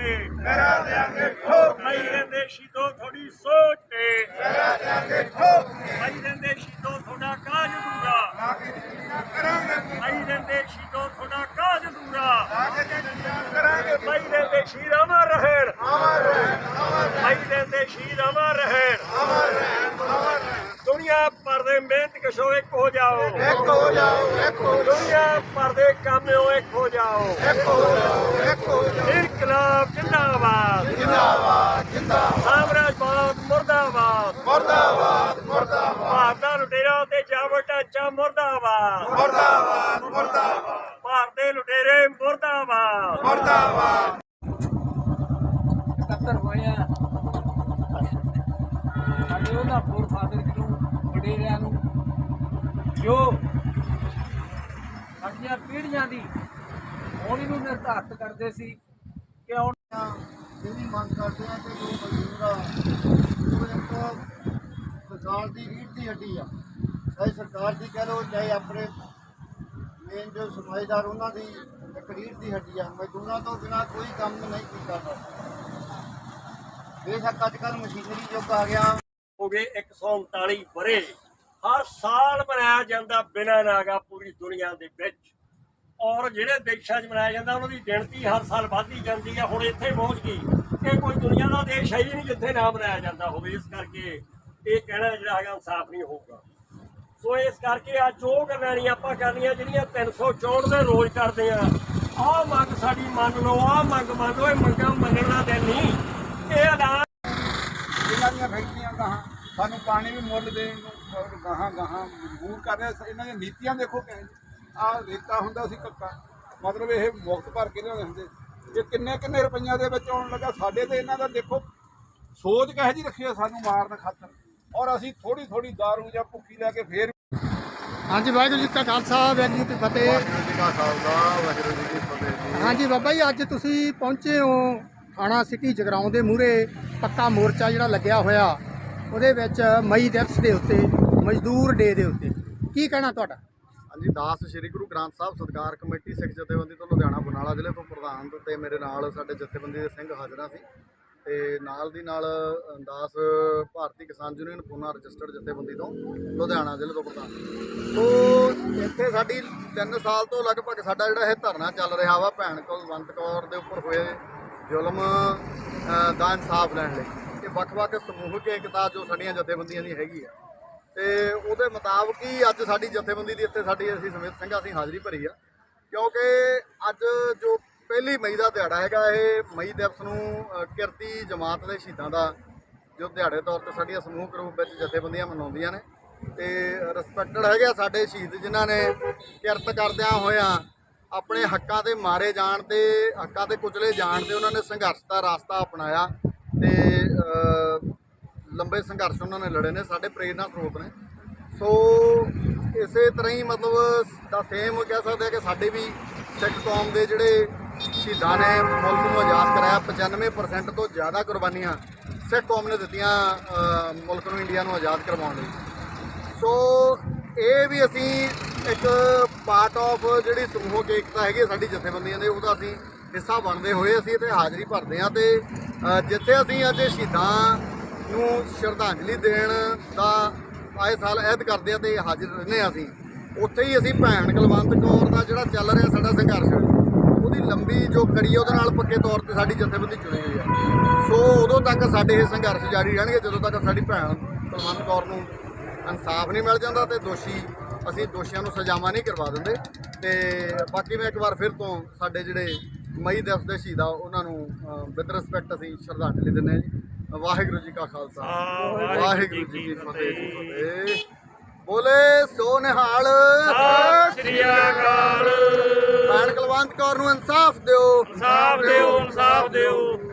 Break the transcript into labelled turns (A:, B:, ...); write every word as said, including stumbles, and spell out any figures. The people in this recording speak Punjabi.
A: ਤੇ ਕਰਾ ਦਿਆਂਗੇ ਠੋਕ ਭਾਈ ਰਹਿੰਦੇ ਸ਼ਹੀਦੋ ਥੋੜੀ ਸੋਚ ਤੇ ਕਰਾ ਦਿਆਂਗੇ ਠੋਕ ਭਾਈ ਰਹਿੰਦੇ ਸ਼ਹੀਦੋ ਤੁਹਾਡਾ ਕਾਜ ਅਧੂਰਾ ਭਾਈ ਰਹਿੰਦੇ ਸ਼ਹੀਦੋ ਤੁਹਾਡਾ ਕਾਜ ਅਧੂਰਾ ਭਾਈ ਰਹਿੰਦੇ ਸ਼ਹੀਦ ਅਮਰ ਰਹਿਣ ਭਾਈ ਰਹਿੰਦੇ ਸ਼ਹੀਦ ਅਮਰ ਰਹਿਣ ਦੁਨੀਆ ਭਰ ਦੇ ਮਿਹਨਤ ਕਸ਼ੋ ਇੱਕ ਹੋ ਜਾਓ
B: ਇੱਕ ਹੋ ਜਾਓ ਇੱਕ ਹੋ
A: ਦੁਨੀਆ ਭਰ ਦੇ ਕਾਮਿਓ ਇੱਕ ਹੋ ਜਾਓ
B: ਇੱਕ ਹੋ ਜਾਓ ਇੱਕ ਹੋ ਜਾਓ
A: ਇਨਕਲਾਬ ਜਿੰਦਾਬਾਦ
B: ਜਿੰਦਾਬਾਦ ਜਿੰਦਾਬਾਦ
A: ਸਾਮਰਾਜਵਾਦ ਮੁਰਦਾਬਾਦ
B: ਮੁਰਦਾਬਾਦ ਮੁਰਦਾਬਾਦ
A: ਭਾਰਤ ਦਾ ਲੁਟੇਰਾ ਤੇ ਜਾਵਰ ਢਾਂਚਾ ਮੁਰਦਾਬਾਦ
B: ਮੁਰਦਾਬਾਦ ਮੁਰਦਾਬਾਦ
A: ਭਾਰਤ ਦੇ ਲੁਟੇਰੇ ਮੁਰਦਾਬਾਦ
B: ਮੁਰਦਾਬਾਦ
C: ਇਕੱਤਰ ਹੋਇਆ ਸਾਡੇ ਉਹਦਾ ਫੋਰ ਫਾਦਰ ਨੂੰ ਵਡੇਰਿਆਂ ਨੂੰ ਜੋ ਸਾਡੀਆਂ ਪੀੜ੍ਹੀਆਂ ਦੀ ਹੋਣੀ ਨੂੰ ਨਿਰਧਾਰਤ ਕਰਦੇ ਸੀ ਕਿ ਹੁਣ
B: ਜਿਹੜੀ ਮੰਗ ਕਰਦੇ ਆ ਕਿ ਜੋ ਮਜ਼ਦੂਰ ਆ ਉਹ ਇੱਕ ਸਰਕਾਰ ਦੀ ਰੀੜ੍ਹ ਦੀ ਹੱਡੀ ਆ, ਚਾਹੇ ਸਰਕਾਰ ਦੀ ਕਹਿ ਲਓ ਚਾਹੇ ਆਪਣੇ ਮੇਨ ਜੋ ਸਮਾਜਦਾਰ ਉਹਨਾਂ ਦੀ ਇੱਕ ਰੀੜ੍ਹ ਦੀ ਹੱਡੀ ਆ। ਮਜ਼ਦੂਰਾਂ ਤੋਂ ਬਿਨਾਂ ਕੋਈ ਕੰਮ ਨਹੀਂ ਕੀਤਾ ਜਾਂਦਾ। ਬੇਸ਼ੱਕ ਅੱਜ ਕੱਲ੍ਹ ਮਸ਼ੀਨਰੀ ਯੁੱਗ ਆ ਗਿਆ,
A: ਹੋ ਗਏ ਇੱਕ ਸੌ ਉਨਤਾਲੀ ਵਰੇ ਹਰ ਸਾਲ ਮਨਾਇਆ ਜਾਂਦਾ ਬਿਨਾਂ ਨਾਗਾ ਪੂਰੀ ਦੁਨੀਆ ਦੇ ਵਿੱਚ, ਔਰ ਜਿਹੜੇ ਦੇਸ਼ਾਂ 'ਚ ਮਨਾਇਆ ਜਾਂਦਾ ਉਹਨਾਂ ਦੀ ਗਿਣਤੀ ਹਰ ਸਾਲ ਵੱਧਦੀ ਜਾਂਦੀ ਹੈ। ਹੁਣ ਇੱਥੇ ਪਹੁੰਚ ਗਈ ਕਿ ਕੋਈ ਦੁਨੀਆ ਦਾ ਦੇਸ਼ ਹੈ ਹੀ ਨਹੀਂ ਜਿੱਥੇ ਨਾ ਮਨਾਇਆ ਜਾਂਦਾ ਹੋਵੇ। ਇਸ ਕਰਕੇ ਇਹ ਕਹਿਣਾ ਜਿਹੜਾ ਹੈਗਾ ਇਨਸਾਫ ਨਹੀਂ ਹੋਊਗਾ। ਸੋ ਇਸ ਕਰਕੇ ਅੱਜ ਉਹ ਗੱਲਾਂ ਨਹੀਂ ਆਪਾਂ ਕਰਨੀਆਂ ਜਿਹੜੀਆਂ ਤਿੰਨ ਸੌ ਚੌਂਹਠ ਦੇ ਰੋਜ਼ ਕਰਦੇ ਆ। ਆਹ ਮੰਗ ਸਾਡੀ ਮੰਨ ਲਓ, ਆਹ ਮੰਗ ਮੰਨ ਲਓ, ਇਹ ਮੰਗਾਂ ਮੰਨਣ ਦਾ ਦਿਨ ਨਹੀਂ। ਇਹ ਐਲਾਨ
D: ਇਹਨਾਂ ਦੀਆਂ ਫੈਕਟਰੀਆਂ ਗਾਹਾਂ ਸਾਨੂੰ ਪਾਣੀ ਵੀ ਮੁੱਲ ਦੇਣ ਨੂੰ ਗਾਹਾਂ ਗਾਹਾਂ ਮਜਬੂਰ ਕਰ ਰਿਹਾ। ਇਹਨਾਂ ਦੀਆਂ ਨੀਤੀਆਂ ਦੇਖੋ ਕਿ ਆਹ ਰੇਤਾ ਹੁੰਦਾ ਸੀ ਕੱਕਾ, ਮਤਲਬ ਇਹ ਮੁਕਤ ਭਰ ਕੇ ਲਿਆਉਂਦੇ ਹੁੰਦੇ, ਇਹ ਕਿੰਨੇ ਕਿੰਨੇ ਰੁਪਈਆਂ ਦੇ ਵਿੱਚ ਆਉਣ ਲੱਗਾ। ਸਾਡੇ ਤੇ ਇਹਨਾਂ ਦਾ ਦੇਖੋ ਸੋਚ ਕਿਹੋ ਜਿਹੀ ਰੱਖੀ ਆ ਸਾਨੂੰ ਮਾਰਨ ਖਾਤਰ, ਔਰ ਅਸੀਂ ਥੋੜੀ ਥੋੜੀ ਦਾਰੂ ਜਾਂ ਭੁੱਖੀ ਲੈ ਕੇ ਫੇਰ।
E: ਹਾਂਜੀ, ਵਾਹਿਗੁਰੂ ਜੀ ਕਾ ਖਾਲਸਾ ਵਾਹਿਗੁਰੂ ਜੀ ਕੀ ਫਤਿਹ।
B: ਵਾਹਿਗੁਰੂ ਜੀ ਕਾ ਖਾਲਸਾ ਵਾਹਿਗੁਰੂ ਜੀ ਕੀ ਫਤਿਹ ਜੀ।
E: ਹਾਂਜੀ ਬਾਬਾ ਜੀ, ਅੱਜ ਤੁਸੀਂ ਪਹੁੰਚੇ ਹੋ ਥਾਣਾ ਸਿਟੀ ਜਗਰਾਉਂ ਦੇ ਮੂਹਰੇ ਪੱਕਾ ਮੋਰਚਾ ਜਿਹੜਾ ਲੱਗਿਆ ਹੋਇਆ, ਉਹਦੇ ਵਿੱਚ ਮਈ ਦਿਵਸ ਦੇ ਉੱਤੇ, ਮਜ਼ਦੂਰ ਡੇ ਦੇ ਉੱਤੇ ਕੀ ਕਹਿਣਾ ਤੁਹਾਡਾ?
B: ਹਾਂਜੀ, ਦਾਸ ਸ਼੍ਰੀ ਗੁਰੂ ਗ੍ਰੰਥ ਸਾਹਿਬ ਸਤਿਕਾਰ ਕਮੇਟੀ ਸਿੱਖ ਜਥੇਬੰਦੀ ਤੋਂ ਲੁਧਿਆਣਾ ਬਰਨਾਲਾ ਜ਼ਿਲ੍ਹੇ ਤੋਂ ਪ੍ਰਧਾਨ ਤੇ ਮੇਰੇ ਨਾਲ ਸਾਡੇ ਜਥੇਬੰਦੀ ਦੇ ਸਿੰਘ ਹਾਜ਼ਰਾਂ ਸੀ, ਤੇ ਨਾਲ ਦੀ ਨਾਲ ਦਾਸ ਭਾਰਤੀ ਕਿਸਾਨ ਯੂਨੀਅਨ ਪੂਨਾ ਰਜਿਸਟਰਡ ਜਥੇਬੰਦੀ ਤੋਂ ਲੁਧਿਆਣਾ ਜ਼ਿਲ੍ਹੇ ਤੋਂ ਪ੍ਰਧਾਨ। ਸੋ ਇੱਥੇ ਸਾਡੀ ਤਿੰਨ ਸਾਲ ਤੋਂ ਲਗਭਗ ਸਾਡਾ ਜਿਹੜਾ ਇਹ ਧਰਨਾ ਚੱਲ ਰਿਹਾ ਵਾ ਭੈਣ ਕੁਲਵੰਤ ਕੌਰ ਦੇ ਉੱਪਰ ਹੋਏ ਜ਼ੁਲਮ ਦਾ ਇਨਸਾਫ ਲੈਣ ਲਈ। ਇਹ ਵੱਖ-ਵੱਖ ਸਮੂਹਕ ਏਕਤਾ ਜੋ ਸਾਡੀਆਂ ਜਥੇਬੰਦੀਆਂ ਦੀ ਹੈਗੀ ਆ, ਤੇ ਉਹਦੇ ਮੁਤਾਬਕ ਹੀ ਅੱਜ ਸਾਡੀ ਜਥੇਬੰਦੀ ਦੀ ਇੱਥੇ ਸਾਡੀ ਅਸੀਂ ਸਮੇਤ ਸਿੰਘ ਅਸੀਂ ਹਾਜ਼ਰੀ ਭਰੀ ਆ, ਕਿਉਂਕਿ ਅੱਜ ਜੋ ਪਹਿਲੀ ਮਈ ਦਾ ਦਿਹਾੜਾ ਹੈਗਾ, ਇਹ ਮਈ ਦਿਵਸ ਨੂੰ ਕਿਰਤੀ ਜਮਾਤ ਦੇ ਸ਼ਹੀਦਾਂ ਦਾ ਜੋ ਦਿਹਾੜੇ ਤੌਰ ਤੇ ਸਾਡੀਆਂ ਸਮੂਹਕ ਰੂਪ ਵਿੱਚ ਜਥੇਬੰਦੀਆਂ ਮਨਾਉਂਦੀਆਂ ਨੇ, ਤੇ ਰਿਸਪੈਕਟਡ ਹੈਗੇ ਆ ਸਾਡੇ ਸ਼ਹੀਦ ਜਿਨ੍ਹਾਂ ਨੇ ਕਿਰਤ ਕਰਦਿਆਂ ਹੋਇਆਂ ਆਪਣੇ ਹੱਕਾਂ ਦੇ ਮਾਰੇ ਜਾਣ ਤੇ ਹੱਕਾਂ ਤੇ ਕੁਚਲੇ ਜਾਣ ਤੇ ਉਹਨਾਂ ਨੇ ਸੰਘਰਸ਼ ਦਾ ਰਾਸਤਾ ਅਪਣਾਇਆ, ਤੇ ਲੰਬੇ ਸੰਘਰਸ਼ ਉਹਨਾਂ ਨੇ ਲੜੇ ਨੇ, ਸਾਡੇ ਪ੍ਰੇਰਨਾ ਸਰੋਤ ਨੇ। ਸੋ ਇਸੇ ਤਰ੍ਹਾਂ ਹੀ ਮਤਲਬ ਦਾ ਸੇਮ ਕਹਿ ਸਕਦੇ ਆ ਕਿ ਸਾਡੇ ਵੀ ਸਿੱਖ ਕੌਮ ਦੇ ਜਿਹੜੇ ਸ਼ਹੀਦਾਂ ਨੇ ਮੁਲਕ ਨੂੰ ਆਜ਼ਾਦ ਕਰਾਇਆ, ਪਚਾਨਵੇਂ ਪਰਸੈਂਟ ਤੋਂ ਜ਼ਿਆਦਾ ਕੁਰਬਾਨੀਆਂ ਸਿੱਖ ਕੌਮ ਨੇ ਦਿੱਤੀਆਂ ਮੁਲਕ ਨੂੰ, ਇੰਡੀਆ ਨੂੰ ਆਜ਼ਾਦ ਕਰਵਾਉਣ ਲਈ। ਸੋ ਇਹ ਵੀ ਅਸੀਂ ਇੱਕ ਪਾਰਟ ਆਫ ਜਿਹੜੀ ਸਮੂਹਕ ਏਕਤਾ ਹੈਗੀ ਸਾਡੀ ਜਥੇਬੰਦੀਆਂ ਦੇ, ਉਹਦਾ ਅਸੀਂ ਹਿੱਸਾ ਬਣਦੇ ਹੋਏ ਅਸੀਂ ਇੱਥੇ ਹਾਜ਼ਰੀ ਭਰਦੇ ਹਾਂ। ਤੇ ਜਿੱਥੇ ਅਸੀਂ ਅੱਜ ਸ਼ਹੀਦਾਂ ਨੂੰ ਸ਼ਰਧਾਂਜਲੀ ਦੇਣ ਦਾ ਆਏ ਸਾਲ ਅਹਿਦ ਕਰਦੇ ਹਾਂ ਤੇ ਹਾਜ਼ਰ ਰਹਿੰਦੇ ਹਾਂ, ਅਸੀਂ ਉੱਥੇ ਹੀ ਅਸੀਂ ਭੈਣ ਕੁਲਵੰਤ ਕੌਰ ਦਾ ਜਿਹੜਾ ਚੱਲ ਰਿਹਾ ਸਾਡਾ ਸੰਘਰਸ਼, ਉਹਦੀ ਲੰਬੀ ਜੋ ਕੜੀ ਉਹਦੇ ਨਾਲ ਪੱਕੇ ਤੌਰ ਤੇ ਸਾਡੀ ਜਥੇਬੰਦੀ ਚੁਣੀ ਹੋਈ ਆ। ਸੋ ਉਦੋਂ ਤੱਕ ਸਾਡੇ ਇਹ ਸੰਘਰਸ਼ ਜਾਰੀ ਰਹਿਣਗੇ ਜਦੋਂ ਤੱਕ ਸਾਡੀ ਭੈਣ ਕੁਲਵੰਤ ਕੌਰ ਨੂੰ ਇਨਸਾਫ ਨਹੀਂ ਮਿਲ ਜਾਂਦਾ ਤੇ ਦੋਸ਼ੀ ਅਸੀਂ ਦੋਸ਼ੀਆਂ ਨੂੰ ਸਜ਼ਾਵਾਂ ਨਹੀਂ ਕਰਵਾ ਦਿੰਦੇ। ਤੇ ਬਾਕੀ ਮੈਂ ਇੱਕ ਵਾਰ ਫਿਰ ਤੋਂ ਸਾਡੇ ਜਿਹੜੇ ਮਈ ਦਿਵਸ ਦੇ ਸ਼ਹੀਦ ਆ ਉਹਨਾਂ ਨੂੰ ਵਿਦ ਰਿਸਪੈਕਟ ਅਸੀਂ ਸ਼ਰਧਾਂਜਲੀ ਦਿੰਦੇ ਹਾਂ ਜੀ। ਵਾਹਿਗੁਰੂ ਜੀ ਕਾ ਖਾਲਸਾ ਵਾਹਿਗੁਰੂ ਜੀ ਕੀ ਫਤਿਹ। ਬੋਲੇ ਸੋ ਨਿਹਾਲ,
A: ਸਤਿ ਸ੍ਰੀ ਅਕਾਲ।
B: ਭੈਣ ਕੁਲਵੰਤ ਕੌਰ ਨੂੰ ਇਨਸਾਫ ਦਿਓ,
A: ਇਨਸਾਫ ਦਿਓ, ਇਨਸਾਫ ਦਿਓ।